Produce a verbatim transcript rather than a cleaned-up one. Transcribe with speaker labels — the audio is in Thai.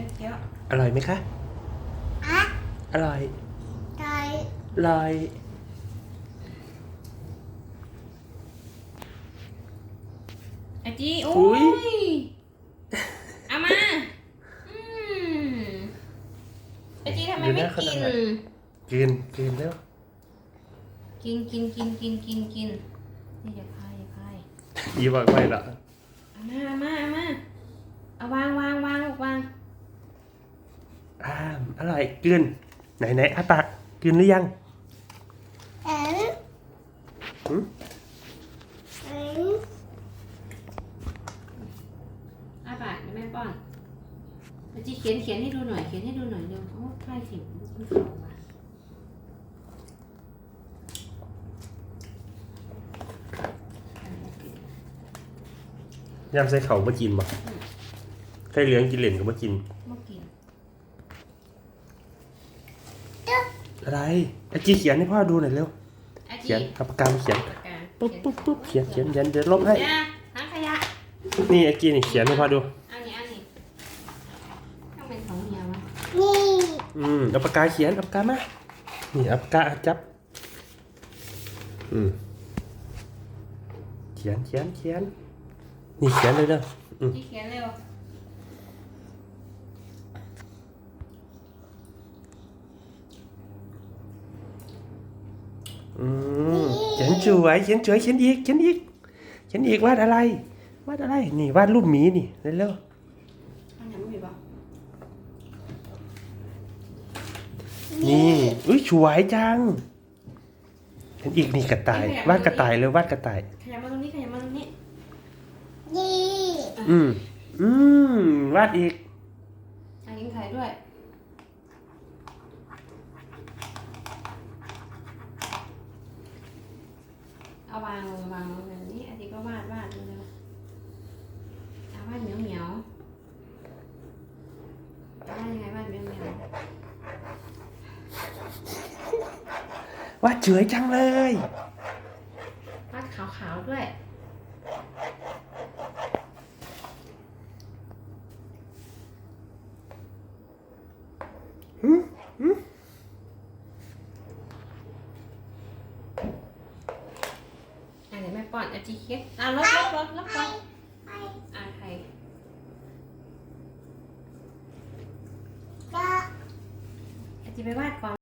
Speaker 1: ยวเคี้ยว
Speaker 2: อร่อยไหมคะ
Speaker 3: อะ
Speaker 2: อร่อย
Speaker 3: ไก่
Speaker 2: อร่อย
Speaker 1: ไอจีโอ้ยเอามาอืมไอจีทำไมไม่กิน
Speaker 2: กินกินแล้ว
Speaker 1: กินกินกินกินกินกินนี่อย่าพายอย่าพาย
Speaker 2: ยี่บอกไม่ละ
Speaker 1: เอามาเอามาเอามาเอาวางวางวางวาง
Speaker 2: อ่าอร่อยกินไหนไหนอาปากกินหรือยัง
Speaker 3: เอ็น
Speaker 2: หืม
Speaker 3: เอ็น
Speaker 1: อ้าปากเดี๋ยวแม่ป้อนไอจีเขียนเขียนให้ดูหน่อยเขียนให้ดูหน่อยเร็วโอ้ใกล้ถึงมันเข้ามา
Speaker 2: ยำใส่เข่ามากินบ่ใครเหลืองกินเหล่นก็มากิน
Speaker 1: ไม่กิน
Speaker 2: อะไรอาจีเขียนให้พ่อดูหน่อยเร็วเขียนเอาปากกามาเขียนปุ๊บปุ๊บปุ๊บเขียนเขียนเขียนเดี๋ยวลบให้
Speaker 1: ถังขยะ
Speaker 2: นี่อาจีนี่เขียนให้พ่อดู
Speaker 1: อันนี้อันนี้ต้องเป็นของเมียวะ
Speaker 3: นี่
Speaker 2: อืมเอาปากกาเขียนเอาปากกามานี่เอาปากกาจับอืมเขียนเขียนเขียนนี่เขียนเลยเด้ออืม
Speaker 1: ที่เขียนเร็ว
Speaker 2: อืมเขียนสวยเขียนสวยเขียนอีกเขียนอีกเขียนอีกวาดอะไรวาดอะไรนี่วาดรูปหมีนี่เร็ว
Speaker 1: อันไหนไม่มีบ้าง
Speaker 2: ๆนี่อุ้ยสวยจังเขียนอีกนี่กระต่ายวาดกระต่ายเลยวาดกระต่าย
Speaker 1: ขยับมาตรงนี้ขยับมาตรงนี้
Speaker 3: นี่
Speaker 2: อืมอืมวาดอีก
Speaker 1: อันนี้ถ่ายด้วยเอาวางลงวางลงแบบนี้อันนี้ก็วาดวาดเลยเอาวาดเหนียวเหนียววาดยังไงวาดเหนียวเหนียว
Speaker 2: วาดสวยจังเลยว
Speaker 1: าดขาวๆด้วย
Speaker 2: อืมอืม
Speaker 1: อันนี้แม่ป้อนอาจีเค้กอ่ะลบลบลบลบลบ